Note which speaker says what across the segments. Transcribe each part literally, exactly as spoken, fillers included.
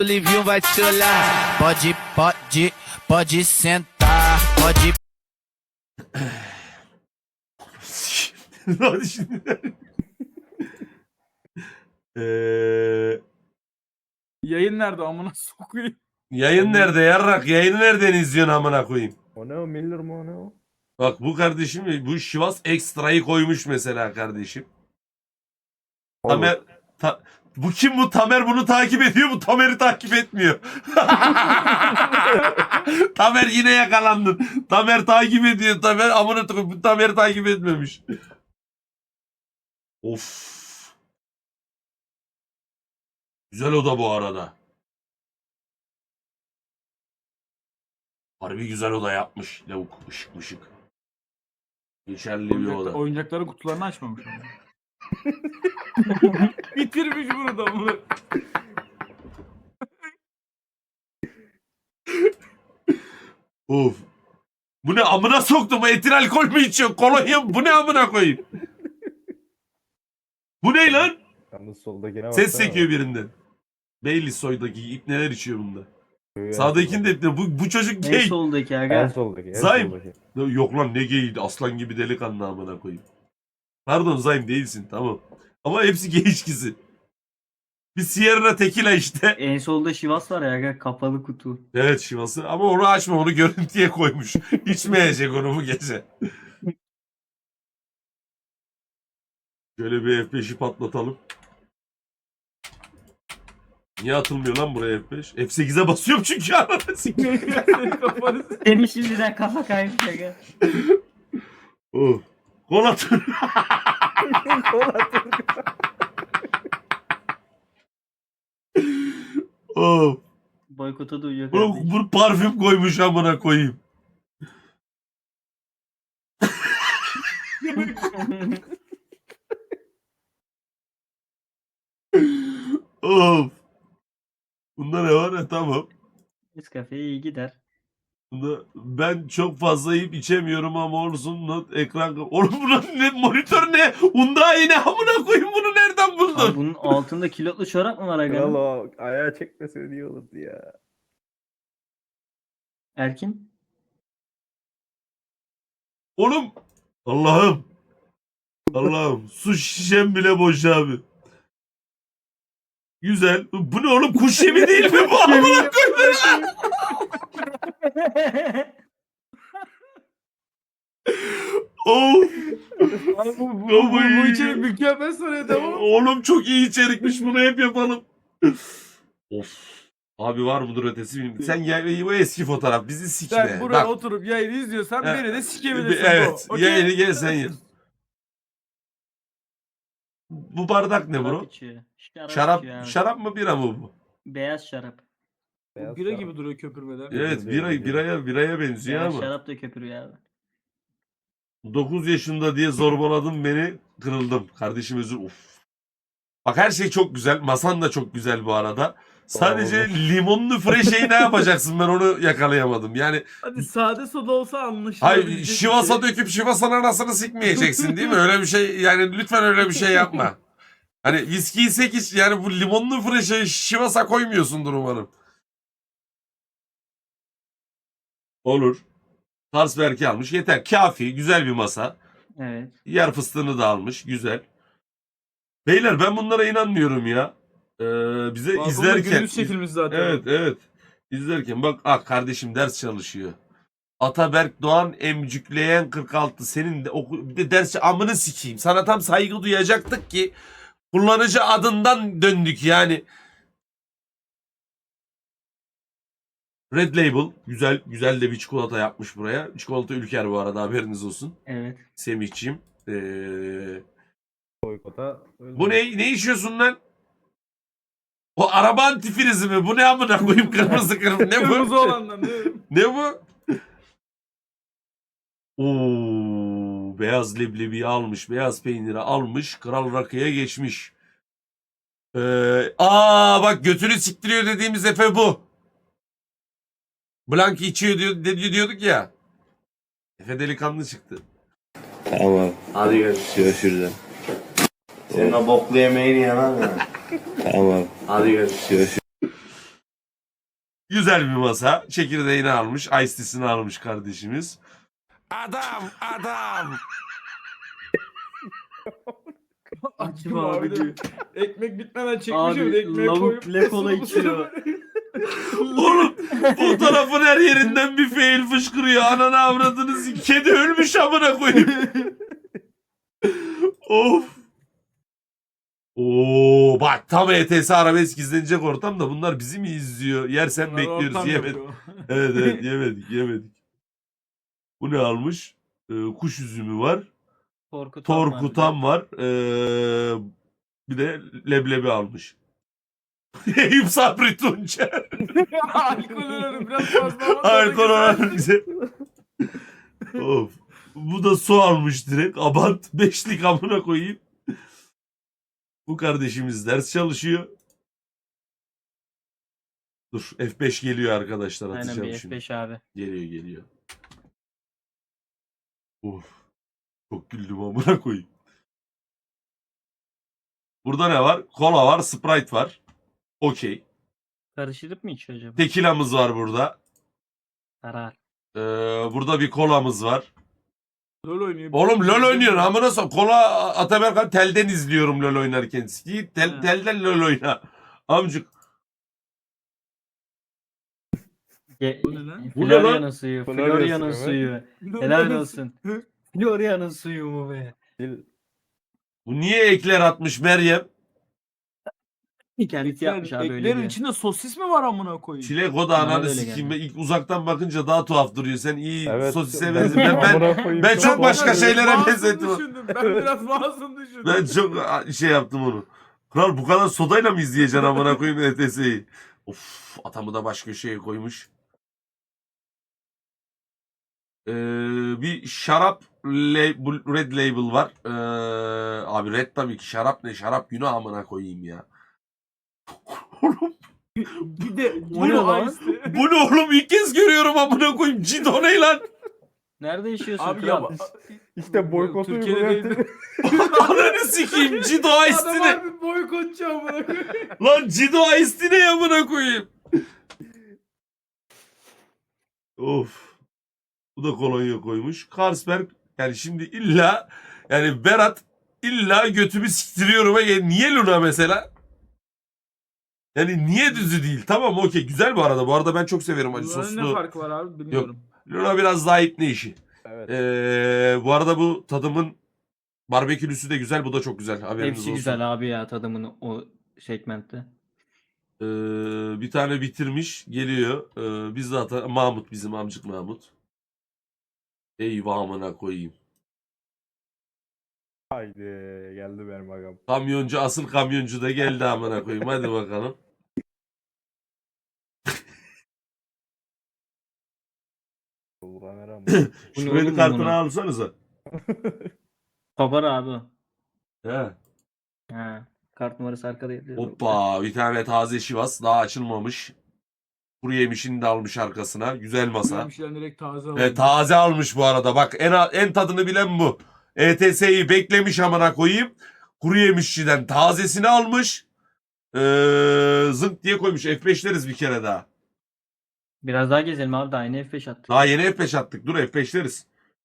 Speaker 1: Livinho vai te olhar. Pode, pode, pode sentar. Pode.
Speaker 2: Hadi şimdi. Eee,
Speaker 3: Yayın nerede amına sokayım?
Speaker 2: yayın nerede yarrak? Yayını nereden izliyorsun amına koyayım?
Speaker 4: O ne o Miller mi o ne o?
Speaker 2: Bak bu kardeşim bu Şivas Ekstra'yı koymuş mesela kardeşim. Tamer ta- bu kim bu Tamer bunu takip ediyor bu Tamer'i takip etmiyor. Tamer yine yakalandın. Tamer takip ediyor Tamer amına koyayım bu Tamer'i takip etmemiş. Of. Güzel oda bu arada. Harbi güzel oda yapmış. Lavuk ışık mışık. Geçerli bir
Speaker 3: Oyuncaklar,
Speaker 2: oda.
Speaker 3: oyuncakların kutularını açmamış ama. Bitirmiş bunu da bunu.
Speaker 2: Of. Bu ne amına soktum? Etil alkol mü içiyor? Kolonya mı? Bu ne amına koyayım? Bu ne lan?
Speaker 4: Yalnız soldakine bak.
Speaker 2: Ses çekiyor birinden. Beyli soydaki ip neler içiyor bunda? Sağdakinin de ipne. Bu, bu çocuk
Speaker 5: En
Speaker 2: gay.
Speaker 5: soldaki
Speaker 4: En
Speaker 5: aga.
Speaker 4: soldaki. En
Speaker 2: Zaym.
Speaker 4: soldaki.
Speaker 2: Yok lan ne gay? Aslan gibi delikanlı amına koyayım. Pardon Zaym değilsin tamam. Ama hepsi gay içkisi. Bir Sierra Tequila işte.
Speaker 5: En solda Şivas var ya aga, kapalı kutu.
Speaker 2: Evet şivası ama onu açma onu görüntüye koymuş. İçmeyecek onu bu gece. Şöyle bir F beşi patlatalım. Niye atılmıyor lan buraya F beş? F sekize basıyorum çünkü arada sikeyim.
Speaker 3: Kafanı s-
Speaker 5: Senin şimdiden kafa kaymış aga.
Speaker 2: Oh. Gol atın. Oh.
Speaker 5: Boykota duyuyor
Speaker 2: Bu,
Speaker 5: kardeşim.
Speaker 2: bu parfüm koymuş amına koyayım. Of. Bunda ne var ya tamam.
Speaker 5: Nescafe'ye iyi gider.
Speaker 2: Bunda ben çok fazla yiyip içemiyorum ama olsun not ekran. Oğlum bunun ne monitör ne? Unda yine amına koyayım bunu nereden
Speaker 5: Abi
Speaker 2: buldun?
Speaker 5: bunun altında kilotlu çorap mı var
Speaker 4: Kral
Speaker 5: aga?
Speaker 4: o ayağı çekmese iyi olurdu ya.
Speaker 5: Erkin?
Speaker 2: Oğlum Allah'ım. Allah'ım su şişem bile boş abi. Güzel. Bu ne oğlum kuş yemi değil mi bu amına koyayım? Of.
Speaker 3: Abi bu, bu, bu,
Speaker 2: Kafayı
Speaker 3: bu içerik
Speaker 2: yiyeyim.
Speaker 3: mükemmel soruyor devam.
Speaker 2: Oğlum çok iyi içerikmiş bunu hep yapalım. Of. Abi var mıdır ötesi bilmiyorum. Sen gel bu eski fotoğraf bizi sikme.
Speaker 3: Sen buraya
Speaker 2: Bak.
Speaker 3: oturup yayını izliyorsan
Speaker 2: Ha,
Speaker 3: beni de sikebilirsin.
Speaker 2: Evet.
Speaker 3: bu. Okey?
Speaker 2: Yayını gel sen ye. Bu bardak ne
Speaker 5: Şarap
Speaker 2: bro?
Speaker 5: içiyor. Şarap,
Speaker 2: Şarap
Speaker 5: içiyor abi.
Speaker 2: şarap mı bira mı bu?
Speaker 5: Beyaz şarap.
Speaker 3: Bu
Speaker 4: Beyaz
Speaker 3: bira
Speaker 4: şarap.
Speaker 3: gibi duruyor köpürmeden.
Speaker 2: Evet
Speaker 4: değil,
Speaker 2: bira
Speaker 4: değil.
Speaker 2: biraya biraya benziyor
Speaker 5: Beyaz
Speaker 2: ama.
Speaker 5: şarap da köpürüyor abi.
Speaker 2: dokuz yaşında diye zorbaladın beni, kırıldım. Kardeşim özür. Uf. Bak her şey çok güzel. Masan da çok güzel bu arada. Sadece limonlu freşeyi ne yapacaksın ben onu yakalayamadım. Yani
Speaker 3: Hadi sade soda olsa anlaşılabilecek
Speaker 2: hayır
Speaker 3: bir
Speaker 2: şivasa
Speaker 3: şey.
Speaker 2: döküp şivasanın anasını sikmeyeceksin değil mi? Öyle bir şey yani lütfen öyle bir şey yapma. Hani viskiyi sekiz yani bu limonlu freşeyi şivasa koymuyorsundur umarım. Olur. Carlsberg'i almış yeter. Kafi güzel bir masa.
Speaker 5: Evet.
Speaker 2: Yer fıstığını da almış. Güzel. Beyler ben bunlara inanmıyorum ya. Ee, bize
Speaker 3: Balkonda
Speaker 2: izlerken.
Speaker 3: gündüz çekilmiş zaten.
Speaker 2: Evet evet. İzlerken bak ah kardeşim ders çalışıyor. Ataberk Doğan emcükleyen kırk altı senin de oku, bir de ders amını sikeyim. Sana tam saygı duyacaktık ki kullanıcı adından döndük yani. Red Label güzel güzel de bir çikolata yapmış buraya. Çikolata ülker bu arada haberiniz olsun.
Speaker 5: Evet.
Speaker 2: Semihciğim. Ee,
Speaker 4: Boykota. öyle.
Speaker 2: Bu ne ne içiyorsun lan? O araba antifrizi mi? Bu ne amına koyayım kırmızı kırmızı ne
Speaker 3: Kırmızı
Speaker 2: bu?
Speaker 3: olandan değil mi?
Speaker 2: Ne bu? Oo, beyaz leblebiyi almış, beyaz peyniri almış, kral rakıya geçmiş. Ee, aa bak götünü siktiriyor dediğimiz Efe bu. Blank içiyor diyor, dedi- diyorduk ya. Efe delikanlı çıktı.
Speaker 6: Tamam.
Speaker 7: Hadi görüşürüz.
Speaker 6: Görüşürüz.
Speaker 7: Senin o boklu yemeğini yemem ya.
Speaker 6: Tamam.
Speaker 7: Hadi görüşürüz.
Speaker 6: Görüşürüz.
Speaker 2: Güzel bir masa. Çekirdeğini almış. Ice tea'sini almış kardeşimiz. Adam adam.
Speaker 3: Açtım
Speaker 5: abi
Speaker 3: abi
Speaker 5: diyor.
Speaker 3: diyor. Ekmek bitmeden çekmişim
Speaker 5: Abi,
Speaker 3: de ekmeğe
Speaker 5: lavuk
Speaker 3: koyup.
Speaker 5: bile kola içiyor.
Speaker 2: Oğlum fotoğrafın her yerinden bir fail fışkırıyor. Ananı avradınız. Kedi ölmüş amına koyayım. Of. Oo bak tam E T S arabesk izlenecek ortam da bunlar bizi mi izliyor? Yersen
Speaker 3: Bunlar
Speaker 2: bekliyoruz
Speaker 3: ortam
Speaker 2: yemedik.
Speaker 3: yapıyor.
Speaker 2: Evet evet yemedik yemedik. Bu ne almış? Ee, kuş üzümü var.
Speaker 5: Korkutan var.
Speaker 2: Torkutan var. Ee, bir de leblebi almış. Eyüp Sabri Tunçer.
Speaker 3: Alkol oranı biraz fazla ama.
Speaker 2: Alkol
Speaker 3: tadı
Speaker 2: oranı güzel. Of. Bu da su almış direkt. Abant beşlik amına koyayım. Bu kardeşimiz ders çalışıyor. Dur F beş geliyor arkadaşlar,
Speaker 5: Aynen
Speaker 2: atacağım
Speaker 5: bir
Speaker 2: şimdi.
Speaker 5: F beş abi.
Speaker 2: Geliyor geliyor. Of. Çok güldüm amına koyayım. Burada ne var? Kola var, Sprite var. Okey.
Speaker 5: Karıştırıp mı içiyor acaba?
Speaker 2: Tekilamız var burada.
Speaker 5: Karar.
Speaker 2: Ee, burada bir kolamız var.
Speaker 3: LOL oynuyor.
Speaker 2: Oğlum LoL oynuyorsun amına sok. Kola Ataberkan telden izliyorum LoL oynarken. Git tel,
Speaker 3: Ha.
Speaker 2: telden LoL oyna. Amcık.
Speaker 5: Ge-
Speaker 3: Bu ne lan?
Speaker 2: Bu ne lan?
Speaker 5: Florya'nın suyu.
Speaker 4: Florya
Speaker 5: Florya'nın
Speaker 4: suyu
Speaker 5: suyu.
Speaker 3: LOL
Speaker 5: Helal
Speaker 3: oynuyor.
Speaker 5: olsun. Florya'nın suyu mu be?
Speaker 4: Dil
Speaker 2: Bu niye ekler atmış Meryem?
Speaker 5: Kendisi yapmış abi öyle
Speaker 3: Eklerin
Speaker 5: diyor.
Speaker 3: içinde sosis mi var amına koyayım?
Speaker 2: Çilek o da
Speaker 5: Bana da
Speaker 2: ananı
Speaker 5: öyle
Speaker 2: sikeyim.
Speaker 5: geldi.
Speaker 2: İlk uzaktan bakınca daha tuhaf duruyor. Sen iyi
Speaker 4: evet.
Speaker 2: sosise benziyorsun. Ben, ben,
Speaker 4: amına koyayım,
Speaker 2: ben çok başka
Speaker 3: biraz
Speaker 2: şeylere
Speaker 3: masum
Speaker 2: benzettim.
Speaker 3: düşündüm. Ben biraz masum düşündüm.
Speaker 2: ben çok şey yaptım onu. Kral bu kadar sodayla mı izleyeceksin amına koyayım E T S'yi? Of atamı da baş köşeye koymuş. Ee, bir şarap label, red label var. Ee, abi red tabii ki, şarap ne? Şarap günah amına koyayım ya. Oğlum
Speaker 3: Bir de
Speaker 5: O ne
Speaker 3: bunu
Speaker 5: lan?
Speaker 3: Ice'de-
Speaker 2: bu ne oğlum, ilk kez görüyorum amına koyayım. Cido ne lan?
Speaker 5: Nerede yaşıyorsun
Speaker 3: Abi
Speaker 5: kral?
Speaker 3: ya
Speaker 4: İşte boykotu
Speaker 3: Türkiye'de
Speaker 4: uygulayan
Speaker 3: değil.
Speaker 2: Ananı sikeyim, Cido
Speaker 3: Adam
Speaker 2: Ice'di ne?
Speaker 3: harbi boykotçu amına koyayım.
Speaker 2: Lan Cido Ice'di ne amına koyayım? Of. Bu da kolonya koymuş. Carlsberg yani şimdi illa yani Berat illa götümü siktiriyorum. Ya. Niye Luna mesela? Yani niye düzü değil? Tamam okey, güzel bu arada. Bu arada ben çok severim acı
Speaker 3: Bunların ne
Speaker 2: soslu.
Speaker 3: farkı var abi bilmiyorum.
Speaker 2: Luna biraz daha ipne işi.
Speaker 4: Evet.
Speaker 2: Ee, bu arada bu tadımın barbekülüsü de güzel. Bu da çok güzel. Haberiniz
Speaker 5: Hepsi
Speaker 2: olsun.
Speaker 5: güzel abi ya tadımın o segmentte.
Speaker 2: Ee, bir tane bitirmiş. Geliyor. Ee, biz zaten Mahmut, bizim amcık Mahmut. Eyvah amına koyayım.
Speaker 4: Haydi geldi benim agam.
Speaker 2: Kamyoncu, asıl kamyoncu da geldi amına koyayım. Hadi bakalım.
Speaker 4: Kamera
Speaker 5: Bu
Speaker 2: Şu
Speaker 5: ne
Speaker 2: kredi
Speaker 5: oğlum
Speaker 2: kartını
Speaker 5: bunu?
Speaker 2: alsanıza.
Speaker 5: Kopar abi.
Speaker 2: He.
Speaker 5: Ha. Kart numarası arkada yazıyor.
Speaker 2: Hoppa, bir tane taze şivas daha açılmamış. Kuru yemişini de almış arkasına. Güzel masa.
Speaker 3: Yemişler direkt taze alıyor.
Speaker 2: Evet, taze almış bu arada. Bak en en tadını bilen bu. E T S'yi beklemiş amına koyayım. Kuru yemişçiden tazesini almış. Ee, zınk diye koymuş. F beşleriz bir kere daha.
Speaker 5: Biraz daha gezelim abi daha yeni F beş attık.
Speaker 2: Daha yeni F beş attık. Dur F beşleriz.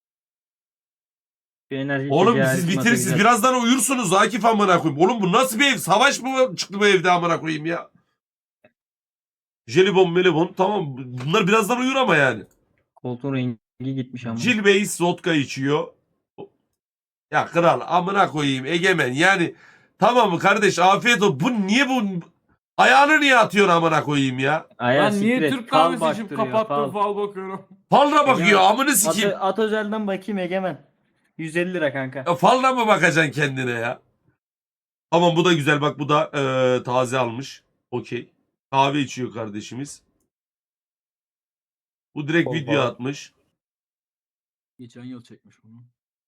Speaker 5: Bir enerji
Speaker 2: Oğlum
Speaker 5: içeceği
Speaker 2: siz
Speaker 5: masa
Speaker 2: bitirirsiniz.
Speaker 5: güzel.
Speaker 2: Birazdan uyursunuz Akif amına koyayım. Oğlum bu nasıl bir ev? Savaş mı çıktı bu evde amına koyayım ya? Jelibon melibon tamam. Bunlar birazdan uyur ama yani.
Speaker 5: Koltuğun rengi gitmiş ama.
Speaker 2: Jill Bey's vodka içiyor. Ya kral amına koyayım Egemen yani. Tamam mı kardeş, afiyet olsun. Bu niye bu ayağını niye atıyorsun amına koyayım ya?
Speaker 5: Ayağı
Speaker 3: Ben niye
Speaker 5: siktir et,
Speaker 3: Türk
Speaker 5: fal
Speaker 3: kahvesi içip
Speaker 5: baktırıyor,
Speaker 3: kapattım
Speaker 5: fal.
Speaker 3: fal bakıyorum.
Speaker 2: Falına bakıyor
Speaker 5: Ya,
Speaker 2: amını
Speaker 5: At,
Speaker 2: sikeyim.
Speaker 5: at özelden bakayım Egemen. yüz elli lira kanka.
Speaker 2: Ya falına mı bakacaksın kendine ya? Tamam bu da güzel, bak bu da eee, taze almış. Okey. Kahve içiyor kardeşimiz. Bu direkt
Speaker 4: Bol
Speaker 2: video
Speaker 4: bol.
Speaker 2: atmış.
Speaker 3: Geçen yıl çekmiş bunu.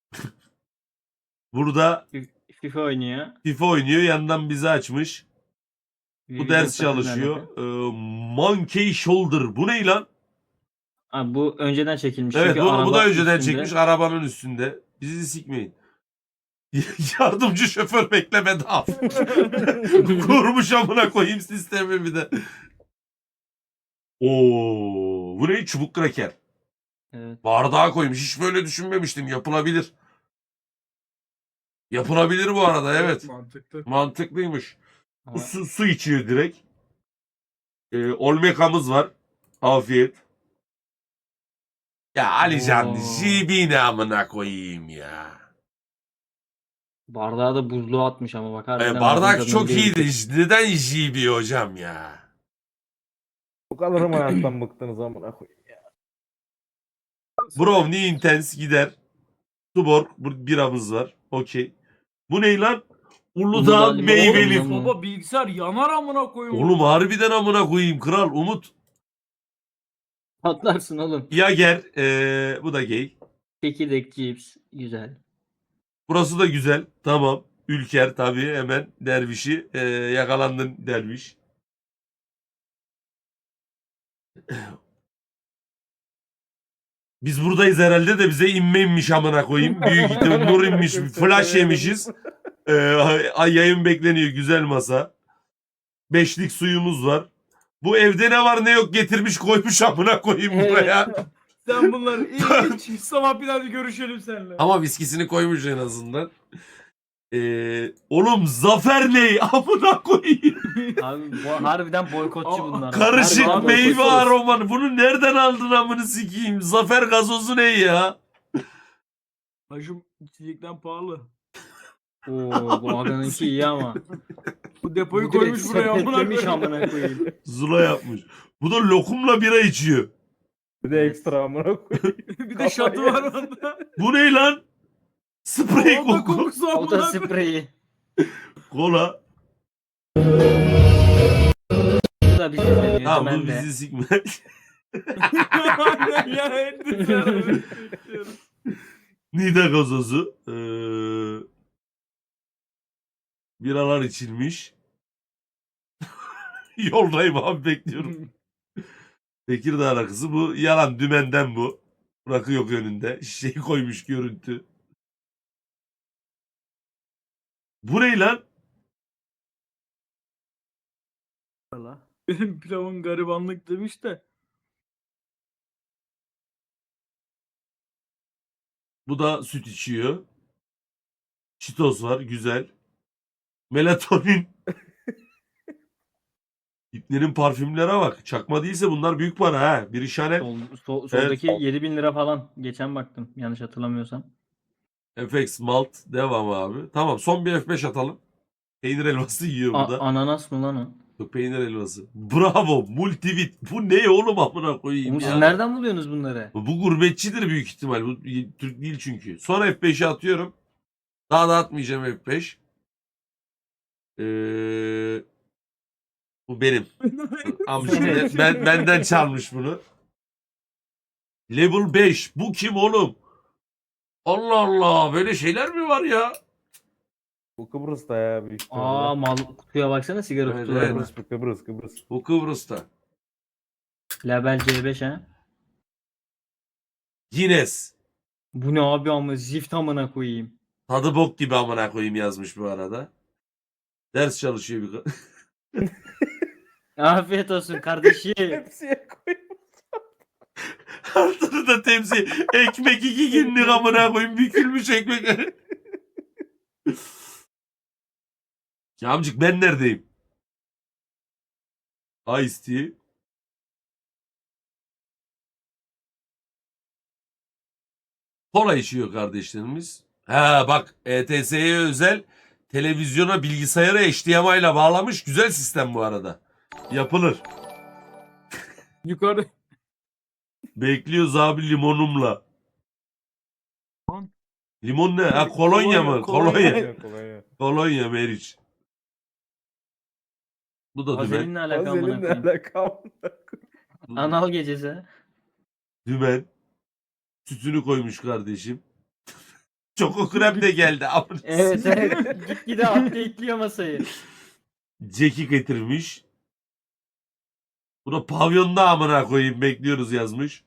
Speaker 2: Burada
Speaker 5: FIFA oynuyor.
Speaker 2: FIFA oynuyor, yandan bizi açmış. Bu
Speaker 5: Video
Speaker 2: ders
Speaker 5: takımla
Speaker 2: çalışıyor.
Speaker 5: alakalı.
Speaker 2: Eee, Monkey Shoulder. Bu ne lan?
Speaker 5: Abi bu önceden çekilmiş.
Speaker 2: Evet
Speaker 5: çünkü
Speaker 2: bu, bu
Speaker 5: araba
Speaker 2: da önceden
Speaker 5: üstünde.
Speaker 2: çekmiş arabanın üstünde. Bizi sikmeyin. Yardımcı şoför bekleme daha. Kurmuş amına koyayım sistemi bir de. Oo, bu ne? Çubuk kraker.
Speaker 5: Evet.
Speaker 2: Bardağa koymuş. Hiç böyle düşünmemiştim. Yapılabilir. Yapılabilir bu arada, evet.
Speaker 3: Mantıklı.
Speaker 2: Mantıklıymış. Bu
Speaker 5: Ama
Speaker 2: su, su içiyor direkt. Ee, Olmeka'mız var. Afiyet. Ya Alican,
Speaker 5: Oo.
Speaker 2: J B ne amına koyayım ya.
Speaker 5: bardağı da buzluğa atmış ama bak
Speaker 2: Ee,
Speaker 5: harbiden
Speaker 2: bardak
Speaker 5: ağzın
Speaker 2: çok
Speaker 5: tadını
Speaker 2: iyiydi.
Speaker 5: bilebilecek.
Speaker 2: Neden J B hocam ya?
Speaker 4: Bu kadar mı hayattan bıktınız amına koyayım ya.
Speaker 2: Brownie Intense gider. Tuborg bu biramız var. Okey. Bu ne lan? Uludağ
Speaker 5: Uludağ limon
Speaker 2: meyveli.
Speaker 5: limon.
Speaker 3: Baba bilgisayar yanar amına koyayım.
Speaker 2: Oğlum harbiden amına koyayım kral. Umut.
Speaker 5: Patlarsın oğlum.
Speaker 2: Yager. Ee, bu da gay.
Speaker 5: Çekirdek cips. Güzel.
Speaker 2: Burası da güzel. Tamam. Ülker tabii hemen dervişi. Ee, yakalandın derviş. Biz buradayız herhalde de bize inme inmiş amına koyayım. Büyük ihtimal nur inmiş. Flash yemişiz. Ee, ay yayın bekleniyor. Güzel masa. Beşlik suyumuz var. Bu evde ne var ne yok getirmiş koymuş amına koyayım
Speaker 5: Evet.
Speaker 2: buraya.
Speaker 3: Sen bunları iyi iç. Sabah bir daha bir görüşelim seninle.
Speaker 2: Ama viskisini koymuş en azından. Ee, oğlum Zafer ne? Amına koyayım.
Speaker 5: Abi bu harbiden boykotçu
Speaker 3: Ama-
Speaker 5: bunlar.
Speaker 2: Karışık
Speaker 5: Harbiden
Speaker 2: meyve
Speaker 5: boykotçu.
Speaker 2: aromanı. Bunu nereden aldın amını sikeyim? Zafer gazozu ne ya?
Speaker 3: Hacım içecekten pahalı.
Speaker 5: Oo bu aganınki iyi ama.
Speaker 3: Bu depoyu
Speaker 5: Bu direkt
Speaker 3: koymuş buraya amına
Speaker 5: sepetlemiş
Speaker 3: koyayım.
Speaker 5: amına koyayım.
Speaker 2: Zula yapmış. Bu da lokumla bira içiyor.
Speaker 4: Bir de ekstra amına koyayım.
Speaker 3: Bir de şatı var onda.
Speaker 2: Bu ne lan? Sprey
Speaker 3: O da
Speaker 2: koku.
Speaker 3: kokusu
Speaker 5: O
Speaker 3: amına
Speaker 5: da
Speaker 3: koyayım.
Speaker 5: spreyi.
Speaker 2: Kola.
Speaker 5: Bu da bizi izleniyor.
Speaker 2: Tamam
Speaker 5: ben
Speaker 2: bu
Speaker 5: de.
Speaker 2: bizi sikme.
Speaker 3: Aynen ya. Endüstri
Speaker 2: Nida gazozu. Ee, biralar içilmiş. Yoldayım abi bekliyorum. Tekirdağ rakısı bu. Yalan dümenden bu. Rakı yok önünde. Şişeyi koymuş görüntü. Bu ne lan?
Speaker 3: Benim pilavın garibanlık demiş de.
Speaker 2: Bu da süt içiyor. Çitos var güzel. Melatonin. İplerin parfümlere bak. Çakma değilse bunlar büyük para ha. Bir işaret.
Speaker 5: Sol, sol- soldaki
Speaker 2: Evet.
Speaker 5: yedi bin lira falan. Geçen baktım. Yanlış hatırlamıyorsam.
Speaker 2: F X Malt. Devam abi. Tamam son bir F beş atalım. Peynir elması yiyor
Speaker 5: A-
Speaker 2: burada.
Speaker 5: ananas mı lan o?
Speaker 2: Yok, peynir elması. Bravo. Multivit. Bu ne oğlum amına koyayım
Speaker 5: Oğlum
Speaker 2: ya.
Speaker 5: siz nereden buluyorsunuz bunları?
Speaker 2: Bu gurbetçidir büyük ihtimal. Bu Türk değil çünkü. Sonra F beşi atıyorum. Daha da atmayacağım F beş. Ee, bu benim. Amcım
Speaker 5: Evet.
Speaker 2: ben, benden çalmış bunu. Level beş. Bu kim oğlum? Allah Allah. Böyle şeyler mi var ya?
Speaker 4: Bu Kıbrıs'ta ya büyük ihtimalle.
Speaker 5: Aa mal kutuya baksana sigara
Speaker 2: Evet,
Speaker 5: kutularına.
Speaker 2: evet.
Speaker 4: Kıbrıs, Kıbrıs, Kıbrıs.
Speaker 2: Bu Kıbrıs'ta.
Speaker 5: Label C beş ha.
Speaker 2: Guinness.
Speaker 5: Bu ne abi ama zift amına koyayım.
Speaker 2: Tadı bok gibi amına koyayım yazmış bu arada. Ders çalışıyor bir kadın.
Speaker 5: Afiyet olsun kardeşim.
Speaker 4: Hepsiye koy.
Speaker 2: Altını da temsil. Ekmek iki günlük amına koyayım. Bükülmüş ekmek. Ya amcık ben neredeyim? Ice tea. Kola içiyor kardeşlerimiz. Ha bak E T S'ye özel televizyona bilgisayara H D M I ile bağlamış. Güzel sistem bu arada. Yapılır.
Speaker 3: Yukarıda.
Speaker 2: Bekliyoruz abi limonumla.
Speaker 3: Lan.
Speaker 2: Limon ne? Ha kolonya mı?
Speaker 3: Kolonya,
Speaker 2: Kolonya.
Speaker 3: kolonya.
Speaker 4: Kolay
Speaker 2: Kolonya Meriç. Bu da dümen.
Speaker 5: Vazelinle alakalı amına
Speaker 4: Vazelinle
Speaker 5: koyayım.
Speaker 4: alakalı.
Speaker 5: Anal gecesi.
Speaker 2: Dümen. Sütünü koymuş kardeşim. Çoko krem de geldi. Amına
Speaker 5: Evet evet. Gitgide update'liyor masayı.
Speaker 2: Jack'i getirmiş. Bu da pavyonda amına koyayım bekliyoruz yazmış.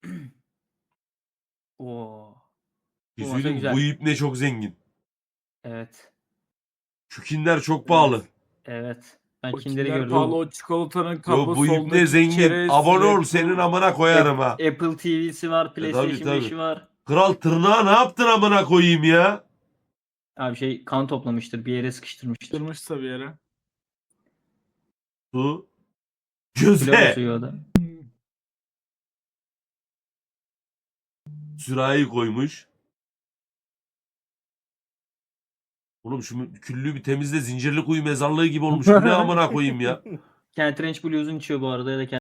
Speaker 5: Oo.
Speaker 2: Bir
Speaker 5: Bu
Speaker 2: şey
Speaker 5: masa
Speaker 2: söyleyeyim mi?
Speaker 5: güzel.
Speaker 2: Bu ipne çok zengin.
Speaker 5: Evet.
Speaker 2: Şu kinder çok pahalı.
Speaker 5: Evet. Ben
Speaker 3: O
Speaker 5: Kinder'i
Speaker 3: Kinder
Speaker 5: gördüm.
Speaker 3: pahalı o çikolatanın
Speaker 2: Yo,
Speaker 3: kablosu
Speaker 2: bu ibne zengin. Abone ol, senin amına koyarım ha.
Speaker 5: Apple T V'si var, PlayStation
Speaker 2: tabii.
Speaker 5: beşi var.
Speaker 2: Kral tırnağa ne yaptın amına koyayım ya?
Speaker 5: Abi şey kan toplamıştır, bir yere sıkıştırmıştır.
Speaker 3: Kırmışsa bir yere.
Speaker 2: Su.
Speaker 5: Flora
Speaker 2: Göze.
Speaker 5: suyu o da.
Speaker 2: Sürahi koymuş. Oğlum şu küllüğü bir temizle, Zincirlikuyu mezarlığı gibi olmuş. Bu ne amına koyayım ya?
Speaker 5: Kent Ranch Blues'un içiyor bu arada ya da